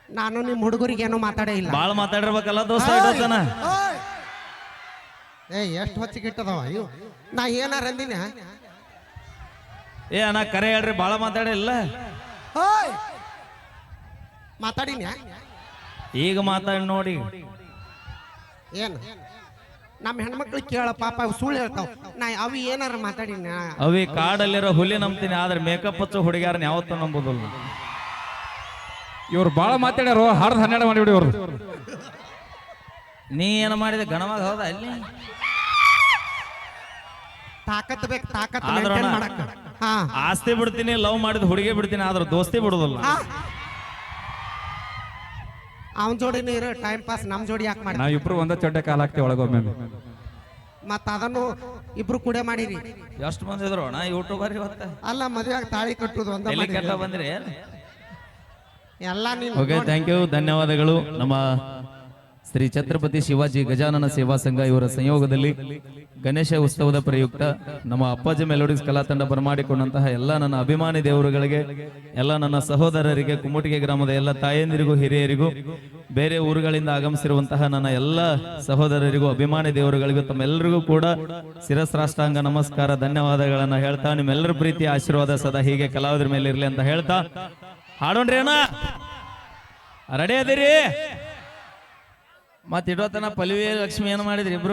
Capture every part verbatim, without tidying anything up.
ನಾನು ನಿಮ್ಮ ಹುಡುಗರಿಗೆ ಏನೋ ಮಾತಾಡೇ ಇಲ್ಲ. ಬಾಳ ಮಾತಾಡಿರ್ಬೇಕಲ್ಲ ದೋಸ್ತ ಇಡೋತನ. ಏ ಎಷ್ಟು ಹೊಚ್ಚಿಗೆ ಇಟ್ಟದವ ಅಯ್ಯೋ ನಾ ಏನಾರ ಅಂದಿನ. ಏ ಅಣ್ಣ ಕರೆ ಹೇಳ್ರಿ ಬಾಳ ಮಾತಾಡಿಲ್ಲ. ಮಾತಾಡಿನ ಈಗ ಮಾತಾಡಿ ನೋಡಿ. ಏನು ನಮ್ಮ ಹೆಣ್ಮಕ್ಳು ಕೇಳ ಪಾಪ ಅವು ಸುಳ್ಳು ಹೇಳ್ತಾವ. ನಾ ಅವಿ ಏನಾರ ಮಾತಾಡಿನ. ಅವಿ ಕಾಡಲ್ಲಿರೋ ಹುಲಿ ನಂಬ್ತೀನಿ ಆದ್ರೆ ಮೇಕಪ್ ಹಚ್ಚೋ ಹುಡುಗಿಯಾರನ್ನ ಯಾವತ್ತೂ ನಂಬೋದಿಲ್ಲ. ಇವ್ರು ಬಾಳ ಮಾತಾಡ್ಯಾರು. ಹರ್ದ್ ಹನ್ನೆರಡು ಮಾಡಿಬಿಡಿ ಇವ್ರು. ನೀ ಏನು ಮಾಡಿದೆ ಗಣವಾಗ ಹೌದಾ ಅಲ್ಲಿ ತಾಕತ್ ಬೇಕು ತಾಕತ್ ಆದ್ರ maintain ಮಾಡಕ್ಕ. ಹಾ ಆಸ್ತಿ ಬಿಡ್ತೀನಿ ಲವ್ ಮಾಡಿದ ಹುಡುಗಿ ಬಿಡ್ತೀನಿ ಆದ್ರೆ ದೋಸ್ತಿ ಬಿಡುದಿಲ್ಲ. ಅವನ್ ಜೋಡಿನೇ ಇರೋ ಟೈಮ್ ಪಾಸ್ ನಮ್ ಜೋಡಿ ಯಾಕೆ ಮಾಡಿ. ನಾವ್ ಇಬ್ರು ಒಂದ ಚೊಟ್ಟೆ ಕಾಲ ಹಾಕ್ತಿವಿ ಒಳಗೊಮ್ಮೆ. ಮತ್ತ ಅದನ್ನು ಇಬ್ರು ಕೂಡ ಮಾಡಿರಿ. ಎಷ್ಟು ಮಂದಿ ಇದ್ರು ಅಣ್ಣ ಯೂಟ್ಯೂಬರ್ ಇವತ್ತ. ಅಲ್ಲ ಮದುವೆ ತಾಳಿ ಕಟ್ಟುದು ಒಂದ ಎಲ್ಲಿ ಕಟ್ಟ ಬಂದ್ರಿ ಎಲ್ಲ ನೀನು. ಓಕೆ ಥ್ಯಾಂಕ್ ಯು ಧನ್ಯವಾದಗಳು. ನಮ್ಮ ಶ್ರೀ ಛತ್ರಪತಿ ಶಿವಾಜಿ ಗಜಾನನ ಸೇವಾ ಸಂಘ ಇವರ ಸಂಯೋಗದಲ್ಲಿ ಗಣೇಶ ಉತ್ಸವದ ಪ್ರಯುಕ್ತ ನಮ್ಮ ಅಪ್ಪಾಜಿ ಮೆಲೋಡಿಸ್ ಕಲಾ ತಂಡ ಬರಮಾಡಿಕೊಂಡಂತಹ ಎಲ್ಲ ನನ್ನ ಅಭಿಮಾನಿ ದೇವರುಗಳಿಗೆ, ಎಲ್ಲ ನನ್ನ ಸಹೋದರರಿಗೆ, ಕುಮುಟಿಗೆ ಗ್ರಾಮದ ಎಲ್ಲ ತಾಯಂದಿರಿಗೂ, ಹಿರಿಯರಿಗೂ, ಬೇರೆ ಊರುಗಳಿಂದ ಆಗಮಿಸಿರುವಂತಹ ನನ್ನ ಎಲ್ಲ ಸಹೋದರರಿಗೂ, ಅಭಿಮಾನಿ ದೇವರುಗಳಿಗೂ ತಮ್ಮೆಲ್ಲರಿಗೂ ಕೂಡ ಶಿರಸ್ರಾಷ್ಟಾಂಗ ನಮಸ್ಕಾರ ಧನ್ಯವಾದಗಳನ್ನ ಹೇಳ್ತಾ, ನಿಮ್ಮೆಲ್ಲರ ಪ್ರೀತಿ ಆಶೀರ್ವಾದ ಸದಾ ಹೀಗೆ ಕಲಾವಿದರ ಮೇಲೆ ಇರಲಿ ಅಂತ ಹೇಳ್ತಾ ಹಾಡೋಣ್ರಿ ಅಣ್ಣ. ರೆಡಿ ಅದಿರಿ? ಮತ್ ಇಡೋತನ ಪಲ್ವಿ ಲಕ್ಷ್ಮಿ ಏನ್ ಮಾಡಿದ್ರಿ ಇಬ್ರು?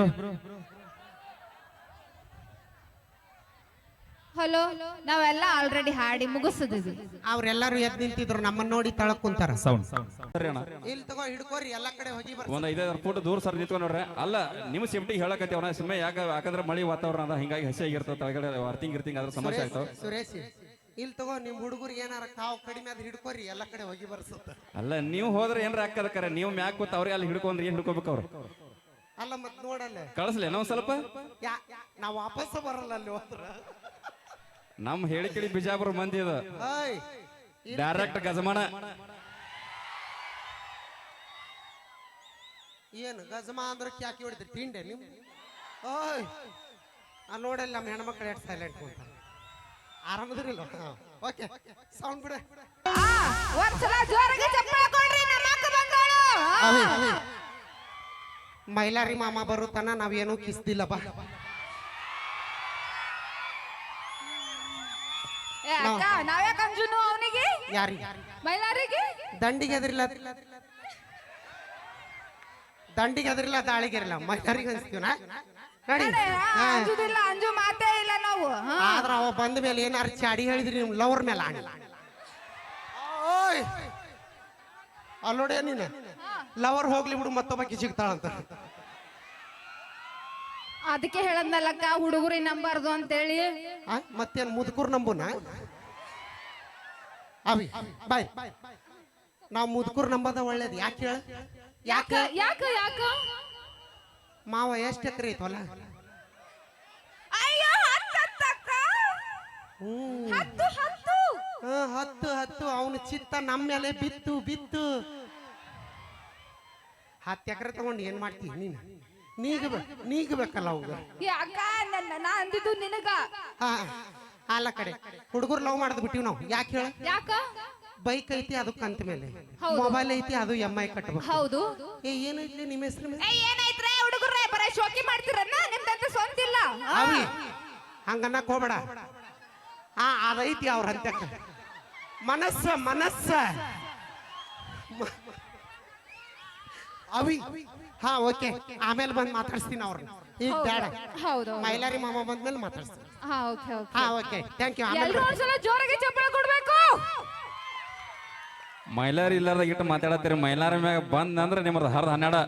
ಹಲೋ, ನಾವೆಲ್ಲ ಆಲ್ರೆಡಿ ಹಾಡಿ ಮುಗಿಸಿದ್ವಿ. ಅವ್ರೆಲ್ಲಾರು ಎದ್ ನಿಂತಿದ್ರು ನಮ್ಮನ್ನ ನೋಡಿ ತಳಕ್ ಕುಂತಾರ. ಸೌಂಡ್ ಇಲ್ಲಿ ತಗೋ ಹಿಡ್ಕೋರಿ ಎಲ್ಲಾ ಕಡೆ ಹೋಗಿ ಬರ್ರಿ. ಒಂದ್ ಐದಾರು ಫುಟ್ ದೂರ ಸರ್ ನಿಂತ್ಕೊಂಡ್ ನೋಡ್ರಿ. ಅಲ್ಲ ನಿಮ್ ಸೇಫ್ಟಿ ಹೇಳಕತ್ತೇವನ ಸುಮ್ಮನೆ ಯಾಕ ಯಾಕಂದ್ರೆ ಮಳಿ ವಾತಾವರಣ ಅದ, ಹಿಂಗಾಗಿ ಹಸಿ ಆಗಿರ್ತದೆ, ತಳಗಡೆ ಅರ್ತಿಂಗ್ ಇರ್ತಿಂಗ್ ಅದ್ರ ಸಮಸ್ಯೆ ಆಗ್ತಾವ. ಸುರೇಶ್ ಇಲ್ಲಿ ತಗೋ ನಿಮ್ ಹುಡುಗರಿಗೆ ಏನಾರ ಕಾವು ಕಡಿಮೆ ಆದ್ರೆ ಹಿಡ್ಕೋರಿ ಎಲ್ಲಾ ಕಡೆ ಹೋಗಿ ಬರ್ಸುತ್ತ. ಅಲ್ಲ ನೀವು ಹೋದ್ರೆ ಏನ್ರ ಹಾಕದ ಕರೆ, ನೀವು ಮ್ಯಾಕ್ ಕೂತ್ ಅವ್ರಿಗೆ ಅಲ್ಲಿ ಹಿಡ್ಕೊಂಡ್ರಿ ಏನ್ ಹಿಡ್ಕೋಬೇಕು ಅವ್ರು? ಅಲ್ಲ ಮತ್ ನೋಡಲ್ಲ ಕಳಿಸ್ಲಿ ನಾವ್ ಸ್ವಲ್ಪ ನಾವ್ ವಾಪಸ್ ಬರಲ್ಲ ಅಲ್ಲಿ ಹೋದ್ರ. ನಮ್ ಹೇಳಿ ಕೇಳಿ ಬಿಜಾಪುರ ಮಂದಿ ಅದ ಓಯ್ ಡೈರೆಕ್ಟ್ ಗಜಮಾನ. ಏನು ಗಜಮಾ ಅಂದ್ರೆ ಕ್ಯಾಕಿ ಹೊಡಿದ್ರಿ ತಿಂಡೆ ನಿಮ್? ಓಯ್ ಆ ನೋಡಲ್ಲ ನಮ್ಮ ಹೆಣ್ಮಕ್ಳು ಎಷ್ಟು ಸೈಲೆಂಟ್ ಕುಂತಾರ. ಆರಾಮದಿರಲ್ಲ? ಓಕೆ ಸೌಂಡ್ ಬಿಡ. ಒಂದ್ಸಲ ಜೋರಾಗಿ ಚಪ್ಪಾಳೆ ಕೊಡ್ರಿ ನಮ್ಮ ಅಕ್ಕ ಬಂದೋಳು. ಮೈಲಾರಿ ಮಾಮ ಬರುತ್ತಾನ ನಾವೇನು ಕಿಸ್ದಿಲ್ಲ ಬಾ. ಏ ಅಕ್ಕ ನಾವ್ಯಾಕ ಅಂಜುನು ಅವನಿಗೆ? ಯಾರಿ ಮೈಲಾರಿಗೆ? ದಂಡಿಗೆ ಎದ್ರಿಲ್ಲ, ದಂಡಿಗೆ ಎದ್ರಿಲ್ಲ, ದಾಳಿಗೆ ಇರಲ್ಲ, ಮೈಲಾರಿಗೆ ಅನ್ಸ್ತೀವಿ ನಾ ನಡಿ. ಅಂಜುದಿಲ್ಲ, ಅಂಜು ಮಾತೇ ಇಲ್ಲ ನಾವು. ಆದ್ರ ಅವ ಬಂದ ಮೇಲೆ ಏನಾರು ಚಾಡಿ ಹೇಳಿದ್ರಿ ನಿಮ್ ಲವರ್ ಮೇಲೆ ಆಣಿ. ಓಯ್ ಅಲ್ಲೋಡೆ ನೀನು ಲವರ್ ಹೋಗ್ಲಿ ಬಿಡು ಮತ್ತೊಬ್ಬಕಿ ಸಿಗ್ತಾಳಂತ. ಅದಕ್ಕೆ ಹೇಳದ್ನಲ್ಲಕ್ಕ ಹುಡುಗರಿ ನಂಬಾರ್ದು ಅಂತೇಳಿ. ಮತ್ತೇನ್ ಮುದುಕೂರ್ ನಂಬುನ? ಅವಿ ಬಾಯ್, ನಾವ್ ಮುದುಕೂರ್ ನಂಬದ ಒಳ್ಳೇದು. ಯಾಕೆ ಹೇಳ? ಯಾಕ ಯಾಕ ಯಾಕ ಮಾವ ಎಷ್ಟ್ ಎಕರೆ ಐತವಲ್ಲ? ಅಯ್ಯೋ ಹತ್ತಕ್ಕ. ಹ್ಮ್ ಹತ್ತು ಹತ್ತು ಹತ್ತು ಹತ್ತು ಅವನ ಚಿತ್ತ ನಮ್ಮ ಮೇಲೆ ಬಿತ್ತು ಬಿತ್ತು. ಹತ್ತು ಎಕರೆ ತಗೊಂಡು ಏನ್ ಮಾಡ್ತೀವಿ ನೀನು? ನೀಗ ನೀಗಬೇಕಲ್ಲ ಅವಾಗ. ಯಾಕ ನನ್ನ ನಾ ಅಂದಿದ್ದು ನಿನಗ. ಹಾ ಅಲ್ಲ ಕಡೆ ಹುಡುಗರು ಲವ್ ಮಾಡೋದು ಬಿಟ್ಟಿವಿ ನಾವು. ಯಾಕೆ ಹೇಳ? ಯಾಕ? ಬೈಕ್ ಐತಿ ಅದಕ್ಕೆ ಕಂತ ಮೇಲೆ, ಮೊಬೈಲ್ ಐತಿ ಅದು ಎಮ್ ಐ ಕಟ್ಟಬೇಕು. ಹೌದು. ಏ ಏನೈತಿ ನಿಮ್ಮ ಹೆಸರು? ಏನಾಯ್ತ್ರೆ ಹುಡುಗರೇ ಬರೀ ಶೋಕಿ ಮಾಡ್ತಿರನ್ನ? ನಿಮ್ದಂತ ಸ್ವಂತ ಇಲ್ಲ. ಅವಿ ಹಂಗನ್ನಕ್ ಹೋಗ್ಬೇಡ. ಹಾ ಅದೈತಿ ಅವ್ರ ಹಂತಕ್ಕ ಮನಸ್ಸ ಮನಸ್ಸ ಅವಿ. ಹಾ ಓಕೆ ಆಮೇಲೆ ಬಂದ್ ಮಾತಾಡ್ಸ್ತೀನಿ ಅವ್ರನ್ನ. ಈಗ ಬೇಡ, ಹೌದು ಮೈಲಾರಿ ಮಾಮ ಬಂದ್ಮೇಲೆ ಮಾತಾಡ್ಸ್ತೀನಿ. ಹಾ ಓಕೆ ಓಕೆ ಹಾ ಓಕೆ ಥ್ಯಾಂಕ್ ಯು. ಎಲ್ಲರೂ ಒಂದ್ಸಲ ಜೋರಾಗಿ ಚಪ್ಪಾಳೆ ಕೊಡ್ಬೇಕು. ಮೈಲಾರಿ ಇಲ್ಲಾರ್ದ ಇಟ್ಟು ಮಾತಾಡತ್ತೀರಿ. ಮೈಲಾರಿ ಮ್ಯಾಗ ಬಂದ್ ಅಂದ್ರೆ ನಿಮ್ಮದು ಹರ್ದ ಹನ್ನೆರಡ.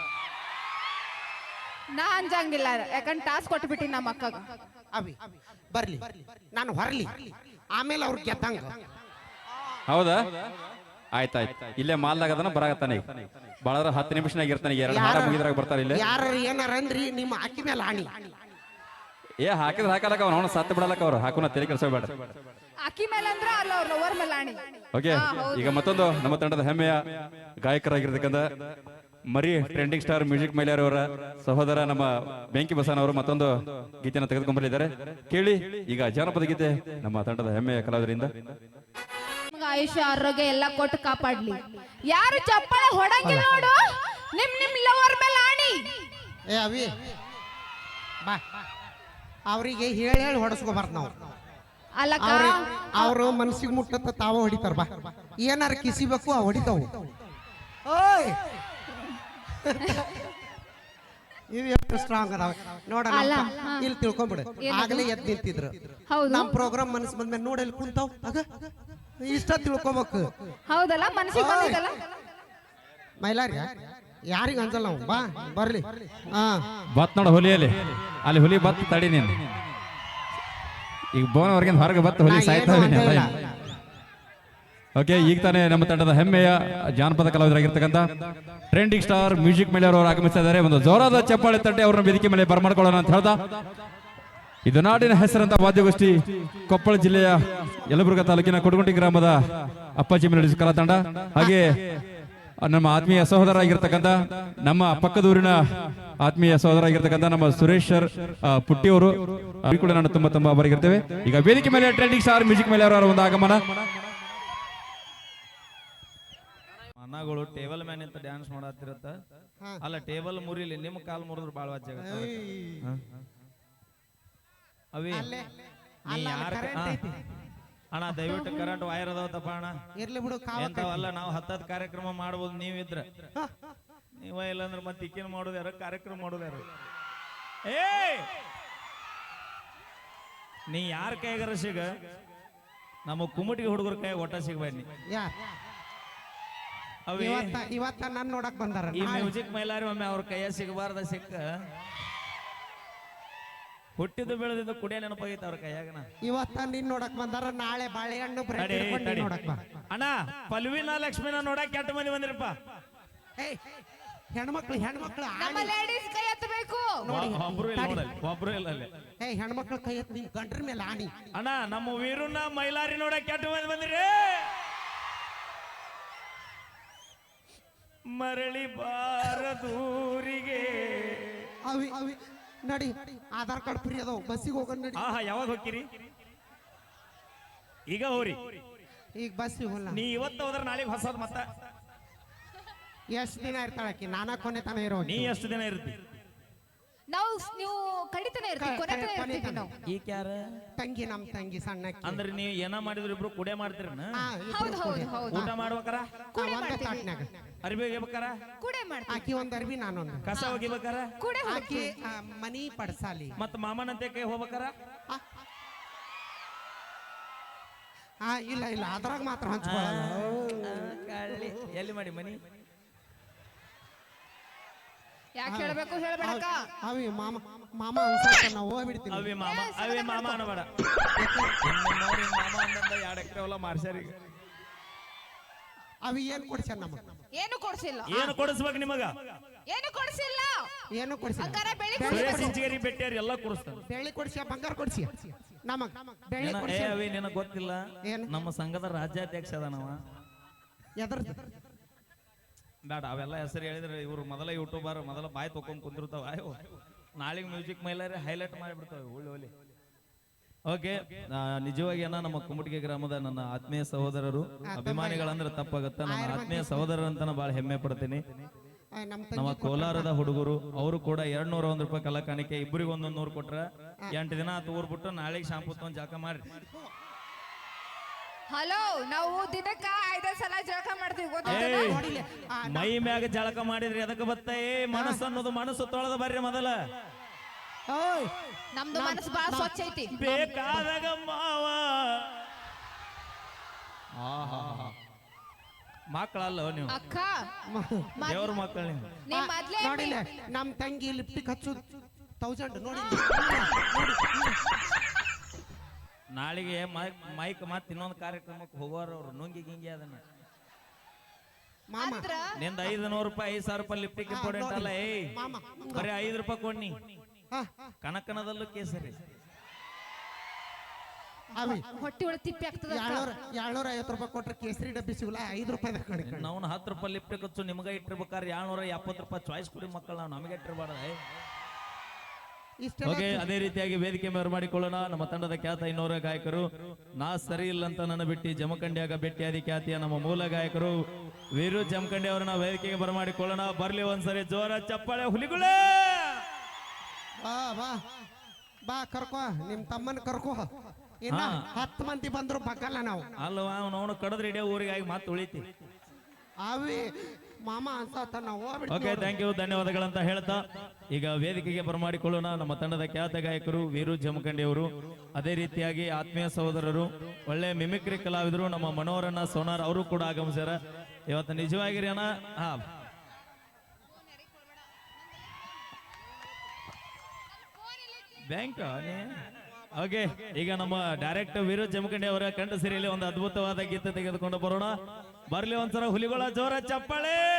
ನಾ ಅಂಜಂಗಿಲ್ಲ ಯಾಕಂದ್ರೆ ಟಾಸ್ಕ್ ಕೊಟ್ಬಿಟ್ಟಿ ನಮ್ಮ ಅಕ್ಕಗ. ಅವಿ ಬರ್ಲಿ ನಾನು ಹೊರಲಿ ಆಮೇಲೆ ಅವ್ರು ಗೆದ್ದಂಗ. ಹೌದಾ? ಆಯ್ತಾಯ್ತು. ಇಲ್ಲೇ ಮಾಲ್ದಾಗ ಅದನ್ನ ಬರಾಗತ್ತಾನೆ. ಬಾಳದ್ರ ಹತ್ತು ನಿಮಿಷನಾಗ ಇರ್ತಾನೆ. ಎರಡು ಹಾಡ ಮುಗಿದ್ರಾಗ ಬರ್ತಾರೆ. ಇಲ್ಲೇ ಯಾರ ಏನಾರ ಅಂದ್ರಿ ನಿಮ್ಮ ಅಕ್ಕಿ ಮೇಲೆ ಆಣಿ. ಏ ಹಾಕಿದ್ರೆ ಹಾಕಲಕ್ಕ ಅವ್ನು ಅವನು ಸತ್ತು ಬಿಡಲಕ್ಕ ಅವ್ರು. ಹಾಕೋನ ತಲೆ ಕೆಲ್ಸಬೇಡ. ಅಕ್ಕಿ ಮೇಲೆ ಅಂದ್ರ ಅಲ್ಲ ಅವ್ರ ಲವರ್ ಮೇಲೆ ಆಣಿ. ಓಕೆ ಈಗ ಮತ್ತೊಂದು ನಮ್ಮ ತಂಡದ ಹೆಮ್ಮೆಯ ಗಾಯಕರಾಗಿರ್ತಕ್ಕಂಥ ಮರಿ ಟ್ರೆಂಡಿಂಗ್ ಸ್ಟಾರ್ ಮ್ಯೂಸಿಕ್ ಮೈಲಾರಿ ಅವರ ಸಹೋದರ ನಮ್ಮ ಬೆಂಕಿ ಬಸವನ ಅವರು ಮತ್ತೊಂದು ಗೀತೆಯನ್ನು ತೆಗೆದುಕೊಂಡ್ಬಂದಿದ್ದಾರೆ. ಕೇಳಿ ಈಗ ಜಾನಪದ ಗೀತೆ ನಮ್ಮ ತಂಡದ ಹೆಮ್ಮೆಯ ಕಲಾವಿದರಿಂದ. ಆಯುಷ್ಯ ಆರೋಗ್ಯ ಎಲ್ಲ ಕೊಟ್ಟು ಕಾಪಾಡ್ಲಿ. ಯಾರು ಚಪ್ಪಾಳೆ ಹೊಡಂಗಿಲ್ಲ ನೋಡು, ನಿಮ್ ನಿಮ್ ಲವರ್ ಮೇಲೆ ಆಣಿ. ಏ ಅವಿ ಬಾ, ಅವರಿಗೆ ಹೇಳಿ ಹೇಳಿ ಹೊಡಸ್ಕೋಬಾರ್ದು ನಾವು. ಅಲ್ಲಕ್ಕ ಅವರು ಮನಸ್ಸಿಗೆ ಮುಟ್ಟತ್ತ ತಾವ ಹೊಡಿತಾರ. ಬಾ, ಏನಾರ ಕಿಸಿಬೇಕು ಆ ಹೊಡಿತಾವು. ಓಯ್ ಇವ್ ಎಷ್ಟು ಸ್ಟ್ರಾಂಗ್ ಅದಾವ ನೋಡ. ಇಲ್ಲಿ ತಿಳ್ಕೊಂಬಿಡು, ಆಗ್ಲೇ ಎದ್ ನಿಂತಿದ್ರು. ಹೌದು, ನಮ್ ಪ್ರೋಗ್ರಾಮ್ ಮನಸ್ ಬಂದ್ಮೇಲೆ ನೋಡಲ್ಲಿ ಕುಂತಾವ್ ಆಗ ಇಷ್ಟ ತಿಳ್ಕೊಬೇಕು. ಹೌದಲ್ಲ, ಮನಸ್ಸಿಗೆ ಬಂದಿದ್ದಲ್ಲ. ಮೈಲಾರಿ ಯಾರಿಗ ಅನ್ಸಲ್ಲ ನಾವು. ಬಾ ಬರ್ಲಿ. ಹಾ ಬತ್ ನೋಡ ಹುಲಿಯಲ್ಲಿ, ಅಲ್ಲಿ ಹುಲಿ ಬತ್ ತಡಿ ನೀನು. ಈಗ ಬೋನ್ ಅವ್ರಿಗೆ ಹೊರಗೆ ಬತ್ ಹುಲಿ ಸಾಯ್ತಾವೆ. ಓಕೆ, ಈಗ ತಾನೇ ನಮ್ಮ ತಂಡದ ಹೆಮ್ಮೆಯ ಜಾನಪದ ಕಲಾವಿದರಾಗಿರ್ತಕ್ಕಂಥ ಟ್ರೆಂಡಿಂಗ್ ಸ್ಟಾರ್ ಮ್ಯೂಸಿಕ್ ಮೇಲೆ ಅವರು ಆಗಮಿಸ್ತಾ ಇದ್ದಾರೆ. ಒಂದು ಜೋರಾದ ಚಪ್ಪಾಳೆ ತಟ್ಟೆ ಅವ್ರನ್ನ ವೇದಿಕೆ ಮೇಲೆ ಬರಮಾಡ್ಕೊಳ್ಳೋಣ ಅಂತ ಹೇಳ್ತಾ, ಇದು ನಾಡಿನ ಹೆಸರಂತ ವಾದ್ಯಗೋಷ್ಠಿ ಕೊಪ್ಪಳ ಜಿಲ್ಲೆಯ ಯಲಬುರ್ಗಾ ತಾಲೂಕಿನ ಕೊಡಗುಂಟಿ ಗ್ರಾಮದ ಅಪ್ಪಾಜಿ ಮೆಲೋಡಿಸ್ ಕಲಾ ತಂಡ, ಹಾಗೆ ನಮ್ಮ ಆತ್ಮೀಯ ಸಹೋದರ ಆಗಿರ್ತಕ್ಕಂಥ ನಮ್ಮ ಪಕ್ಕದೂರಿನ ಆತ್ಮೀಯ ಸಹೋದರ ಆಗಿರ್ತಕ್ಕಂಥ ನಮ್ಮ ಸುರೇಶ್ ಸರ್ ಪುಟ್ಟಿಯವರು ಕೂಡ ನಾನು ತುಂಬಾ ತುಂಬಾ ಅವರಿಗಿರ್ತೇವೆ. ಈಗ ವೇದಿಕೆ ಮೇಲೆ ಟ್ರೆಂಡಿಂಗ್ ಸ್ಟಾರ್ ಮ್ಯೂಸಿಕ್ ಮೇಲೆ ಅವರ ಒಂದು ಆಗಮನ. ಅಣ್ಣಗಳು ಟೇಬಲ್ ಮ್ಯಾನ್ ಅಂತ ಡ್ಯಾನ್ಸ್ ಮಾಡತ್ತಿರತ್ತ. ಅಲ್ಲ, ಟೇಬಲ್ ಮುರಿಲಿ, ನಿಮ್ ಕಾಲ್ ಮುರಿದ್ರು ಬಾಳ ವಾಜ್ಯ ಅವಿ. ನೀ ಯಾರ ಅಣ್ಣ ದಯವಿಟ್ಟು ಕರೆಂಟ್ ವೈರ್ ಅದಾವತ್ತಪ್ಪ ಅಣ್ಣ. ಇರ್ಲಿ ಬಿಡು, ಎಂತವಲ್ಲ, ನಾವು ಹತ್ತತ್ ಕಾರ್ಯಕ್ರಮ ಮಾಡ್ಬೋದು, ನೀವಿದ್ರ ನೀವ ಇಲ್ಲಾಂದ್ರೆ ಮತ್ತೆ ಇಕ್ಕೇನ್ ಮಾಡೋದು ಯಾರು, ಕಾರ್ಯಕ್ರಮ ಮಾಡೋದು ಯಾರು? ಏ ನೀ ಯಾರ ಕೈಗಾರ ಸಿಗ, ನಮ್ಮ ಕುಮಟಿಗೆ ಹುಡುಗರ ಕೈ ಒಟ್ಟ ಸಿಗ್ಬೇಡಿ. ಇವತ್ತ ಇವತ್ತ ನನ್ ನೋಡಕ್ ಬಂದಾರ. ಈ ಮ್ಯೂಸಿಕ್ ಮೈಲಾರಿ ಒಮ್ಮೆ ಅವ್ರ ಕೈಯ ಸಿಗಬಾರ್ದ ಸಿಕ್ಕ ಹುಟ್ಟಿದ್ದು ಬೆಳೆದಿದ್ದು ಕುಡಿಯ ನೆನಪಾಗೈತೆ ಅವ್ರ ಕೈಯಾಗನ. ಇವತ್ತ ನಿನ್ ನೋಡಕ್ ಬಂದಾರ, ನಾಳೆ ಬಾಳೆಹಣ್ಣು ಬ್ರೆಡ್ ಹಿಡ್ಕೊಂಡು ನೀನ್ ನೋಡಕ್ ಬಾ. ಅಣ್ಣ ಪಲ್ವಿನ ಲಕ್ಷ್ಮಿನ ನೋಡಕ್ ಕೆಟ್ಟ ಮಂದಿ ಬಂದಿರಪ್ಪ. ಹೆಣ್ಮಕ್ಳು ಹೆಣ್ಮಕ್ಳು ನಮ್ಮ ಲೇಡೀಸ್ ಕೈ ಎತ್ತಬೇಕು. ಒಬ್ರು ಇಲ್ಲ ನೋಡಲ್ಲಿ, ಒಬ್ರು ಇಲ್ಲ ಅಲ್ಲಿ. ಏ ಹೆಣ್ಮಕ್ಳು ಕೈ ಎತ್ತ, ನಿನ್ ಗಂಡ್ರ ಮೇಲೆ ಆಣಿ. ಅಣ್ಣ ನಮ್ಮ ವೀರುನ ಮೈಲಾರಿ ನೋಡಕ್ ಕೆಟ್ಟ ಮಂದಿ ಬಂದಿರಿ. ಮರಳಿ ಬಾರದೂರಿಗೆ ಅವಿ ಅವಿ ನಡಿ, ಆಧಾರ್ ಕಾರ್ಡ್ ಫ್ರೀ ಅದಾವ, ಬಸ್ಸಿಗೆ ಹೋಗೋಣ ನಡಿ. ಆಹಾ, ಯಾವಾಗ ಹೋಗ್ತೀರಿ? ಈಗ ಹೋರಿ. ಈಗ ಬಸ್ಸಿಗೆ ಹೋಗಲ್ಲ. ನೀ ಇವತ್ತು ಹೋದ್ರೆ ನಾಳೆಗೆ ಹೊಸದ್ ಮತ್ತ. ಎಷ್ಟ್ ದಿನ ಇರ್ತಾಳಕಿ? ನಾನಾ ಕೊನೆ ತನ ಇರೋ. ನೀ ಎಷ್ಟು ದಿನ ಇರ್ತಿ? ನಾವು ನೀವು ಕಡಿತಾನೆ ಇರ್ತೀವಿ, ಕೊನೆ ತನಕ ಇರ್ತೀವಿ ನಾವು. ಈಗ ಯಾರ ತಂಗಿ? ನಮ್ ತಂಗಿ ಸಣ್ಣ. ಅಂದ್ರೆ ನೀವು ಏನ ಮಾಡಿದ್ರು ಇಬ್ರು ಕುಡೆ ಮಾಡ್ತೀರನ? ಹೌದು ಹೌದು ಹೌದು. ಊಟ ಮಾಡ್ಬೇಕಾರ, ಒಂದೇ ತಾಟ್ನ್ಯಾಗ ಅರ್ಬಿ ಒಗಿಬೇಕಾರ, ಕೂಡೆ ಮಾಡ್ತೀವಿ. ಆಕಿ ಒಂದ್ ಅರ್ಬಿ, ನಾನೊಂದು. ಕಸ ಒಗಿಬೇಕಾರ, ಕೂಡೆ ಆಕಿ ಆ, ಮನಿ ಪಡ್ಸಾಲಿ. ಮತ್ತ ಮಾಮನಂತೆ ಕೈ ಹೋಗ್ಬೇಕಾರ. ಹಾ ಇಲ್ಲ ಇಲ್ಲ, ಅದ್ರಾಗ ಮಾತ್ರ ಹಂಚ್ಕೊಳ್ಳಲ್ಲ. ಎಲ್ಲಿ ಮಾಡಿ ಮನಿ? ಯಾಕೆ ಹೇಳ್ಬೇಕು ಹೇಳ್ಬೇಡಕ್ಕ. ಅವಿ ಮಾಮ ಮಾಮ ಅನ್ಸಾಕ ನಾವು ಹೋಗ್ಬಿಡ್ತೀವಿ. ಅವಿ ಮಾಮ, ಅವಿ ಮಾಮ ಅನ್ನಬೇಡ. ಮಾಮ ಅಂದ ಎರಡು ಎಕರೆ ಹೊಲ ಮಾರ್ಸ್ಯಾರ. ಈಗ ಅವಿ ಏನ್ ಕೊಡ್ಸ್ಯಾರ ನಮಗ? ಏನು ಕೊಡ್ಸಿಲ್ಲ. ಏನು ಕೊಡಿಸ್ಬೇಕು ನಿಮಗ? ಏನು ಕೊಡ್ಸಿಲ್ಲ. ಏನು ಕೊಡ್ಸಿಲ್ಲ. ಹಂಗಾರ ಬೆಳಿ ಸುರೇಶ್ ಇಂಚಿಗೇರಿ ಬೆಟ್ಟಿಯಾರ ಎಲ್ಲ ಕೊಡಿಸ್ತಾರ. ಬೆಳ್ಳಿ ಕೊಡ್ಸಿಯ, ಬಂಗಾರ ಕೊಡ್ಸಿಯ ನಮಗ? ಬೆಳ್ಳಿ ಏ ಕೊಡ್ಸಿಯ. ಅವಿ ನಿನಗೆ ಗೊತ್ತಿಲ್ಲ, ನಮ್ಮ ಸಂಘದ ರಾಜ್ಯಾಧ್ಯಕ್ಷ ಅದಾನವ. ಎದ್ರದ್ದು ಬೇಡ ಅವೆಲ್ಲ ಹೆಸರು ಹೇಳಿದ್ರೆ ಇವ್ರು ಮೊದಲ ಯೂಟ್ಯೂಬರ್ ಮೊದಲ ಬಾಯ್ ತೊಕೊಂಡ್ ಕುಂದಿರ್ತಾವ. ಅಯ್ಯೋ ನಾಳೆಗೆ ಮ್ಯೂಸಿಕ್ ಮೈಲಾರಿ ಹೈಲೈಟ್ ಮಾಡಿಬಿಡ್ತಾವೆ ಒಳ್ಳೆ ಒಳ್ಳೆ. ಓಕೆ, ನಿಜವಾಗಿ ಏನ ನಮ್ಮ ಕುಮಟಿಗೆ ಗ್ರಾಮದ ನನ್ನ ಆತ್ಮೀಯ ಸಹೋದರರು, ಅಭಿಮಾನಿಗಳಂದ್ರೆ ತಪ್ಪಾಗತ್ತ, ನನ್ನ ಆತ್ಮೀಯ ಸಹೋದರರಂತ ಬಹಳ ಹೆಮ್ಮೆ ಪಡ್ತೀನಿ. ನಮ್ಮ ಕೋಲಾರದ ಹುಡುಗರು ಅವರು ಕೂಡ ಎರಡ್ ನೂರ ಒಂದ್ ರೂಪಾಯಿ ಕಲಾ ಕಾಣಿಕೆ, ಇಬ್ಬರಿಗೆ ಒಂದೊಂದ್ ನೂರು ಕೊಟ್ರ ಎಂಟು ದಿನ ಆತು ಊರ್ ಬಿಟ್ಟು ನಾಳೆಗೆ ಶಾಂಪು ತಗೊಂಡ್ ಜಾಕ ಮಾಡ್ರಿ. ಹಲೋ, ನಾವು ದಿನಕ್ಕ ಐದ ಸಲ ಜಳಕ ಮಾಡ್ತೀವಿ ಗೊತ್ತಾ? ಮೈ ಮ್ಯಾಗ ಜಳಕ ಮಾಡಿದ್ರಿ ಅದಕ್ಕೆ ಬತ್ತ. ಏ ಮನಸ್ಸು ಅನ್ನೋದು ಮನಸ್ಸು ತೊಳೆದ ಬರ್ರಿ ಮೊದಲ. ನಮ್ದು ಮನಸ್ಸು ಬಹಳ ಸ್ವಚ್ಛ ಐತಿ. ಬೇಕಾದಾಗ ಮಾವ ಮಕ್ಕಳಲ್ಲ ನೀವು, ಅಕ್ಕ ದೇವ್ರ ಮಕ್ಕಳು ನೀವು. ನೀ ಮೊದ್ಲೇ ನೋಡಿಲ್ಲ, ನಮ್ ತಂಗಿ ಲಿಪ್ಟಿಕ್ ಹಚ್ಚು ತೌಸಂಡ್ ನೋಡಿ. ನಾಳೆಗೆ ಮೈಕ್ ಮೈಕ್ ಮತ್ ಇನ್ನೊಂದು ಕಾರ್ಯಕ್ರಮಕ್ಕೆ ಹೋಗೋರು ಅವ್ರು ನುಂಗಿ ಗಿಂಗಿ ಅದನ್ನ. ಮಾಮ ನಿಂದ ಐದು ನೂರು ರೂಪಾಯಿ ಐದು ಸಾವಿರ ರೂಪಾಯಿ ಲಿಫ್ಟಿಗೆ ಇಂಪಾರ್ಟೆಂಟ್ ಅಲ್ಲ. ಏ ಬರೀ ಐದು ರೂಪಾಯಿ ಕೊಡ್ನಿ. ಕನಕನದಲ್ಲೂ ಕೇಸರಿ ಹೊಟ್ಟಿ ಒಳಗೆ ತಿಪ್ಪಿ ಆಗ್ತದ. ಏಳ್ನೂರ ಐವತ್ತು ರೂಪಾಯಿ ಕೊಟ್ರೆ ಕೇಸರಿ ಡಬ್ಬಿ ಸಿಗಲ್ಲ, ಐದು ರೂಪಾಯಿ ಕಡಿಮೆ. ನಾವು ಹತ್ತು ರೂಪಾಯಿ ಲಿಫ್ಟಿಗೆ ಹಚ್ಚು ನಿಮ್ಗೆ ಇಟ್ಟಿರ್ಬೇಕಾದ್ರೆ ಏಳ್ನೂರ ಎಪ್ಪತ್ತು ರೂಪಾಯಿ ಚಾಯ್ಸ್ ಕೊಡಿ ಮಕ್ಕಳು, ನಾವು ನಮಗೆ ಇಟ್ಟಿರ್ಬಾರ್ದ. ಇಷ್ಟೆಲ್ಲ ಓಕೆ ಅದೇ ರೀತಿಯಾಗಿ ವೇದಿಕೆ ಮೇಲೆ ಮಾಡಿಕೊಳ್ಳೋಣ ನಮ್ಮ ತಂಡದ ಖ್ಯಾತ ಇನ್ನೋರ ಗಾಯಕರು ನಾ ಸರಿ ಇಲ್ಲ ಅಂತ ನನ್ನ ಬಿಟ್ಟು ಜಮಖಂಡಿಯಾಗ ಭೇಟಿಯಾದಿ ಖ್ಯಾತಿಯ ನಮ್ಮ ಮೂಲ ಗಾಯಕರು ವೀರು ಜಮಖಂಡಿ ಅವರನ್ನ ವೇದಿಕೆಗೆ ಬರಮಾಡಿಕೊಳ್ಳೋಣ. ಬರ್ಲಿ ಒಂದ್ಸರಿ ಜೋರ ಚಪ್ಪಾಳೆ ಹುಲಿಗಳೇ. ಬಾ ಬಾ ಬಾ ಕರ್ಕೋ ನಿಮ್ ತಮ್ಮನ್ ಕರ್ಕೋ. ಇನ್ನ ಹಾ. ಹತ್ತು ಮಂದಿ ಬಂದ್ರು ಬಗ್ಗಲ್ಲ ನಾವು. ಅಲ್ವಾ ಅವನು ಕಡದ್ರೆ ಇಡೀ ಊರಿಗಾಗಿ ಮಾತು ಉಳಿತಿ. ಅವಿ ಮಾಮ ಅನ್ಸತ್ತ ನಾವು ಓಕೆ ಹೋಗ್ಬಿಡ್ತೀವಿ. ಥ್ಯಾಂಕ್ ಯು ಧನ್ಯವಾದಗಳಂತ ಹೇಳ್ತಾ ಈಗ ವೇದಿಕೆಗೆ ಬರಮಾಡಿಕೊಳ್ಳೋಣ ನಮ್ಮ ತಂಡದ ಖ್ಯಾತ ಗಾಯಕರು ವೀರು ಜಮಖಂಡಿ ಅವರು. ಅದೇ ರೀತಿಯಾಗಿ ಆತ್ಮೀಯ ಸಹೋದರರು ಒಳ್ಳೆ ಮಿಮಿಕ್ರಿ ಕಲಾವಿದರು ನಮ್ಮ ಮನೋರನ್ನ ಸೋನಾರ್ ಅವರು ಕೂಡ ಆಗಮಿಸ್ಯಾರ ಇವತ್ತು. ನಿಜವಾಗಿರಿ ಅಣ್ಣ. ಹಾ ಬ್ಯಾಂಕ್ ಓಕೆ ಈಗ ನಮ್ಮ ಡೈರೆಕ್ಟರ್ ವೀರು ಜಮಖಂಡಿ ಅವರ ಕಂಠ ಸಿರಿಯಲ್ಲಿ ಒಂದು ಅದ್ಭುತವಾದ ಗೀತೆ ತೆಗೆದುಕೊಂಡು ಬರೋಣ. ಬರ್ಲಿ ಒಂದ್ಸಲ ಹುಲಿಗಳ ಜೋರ ಚಪ್ಪಾಳೆ.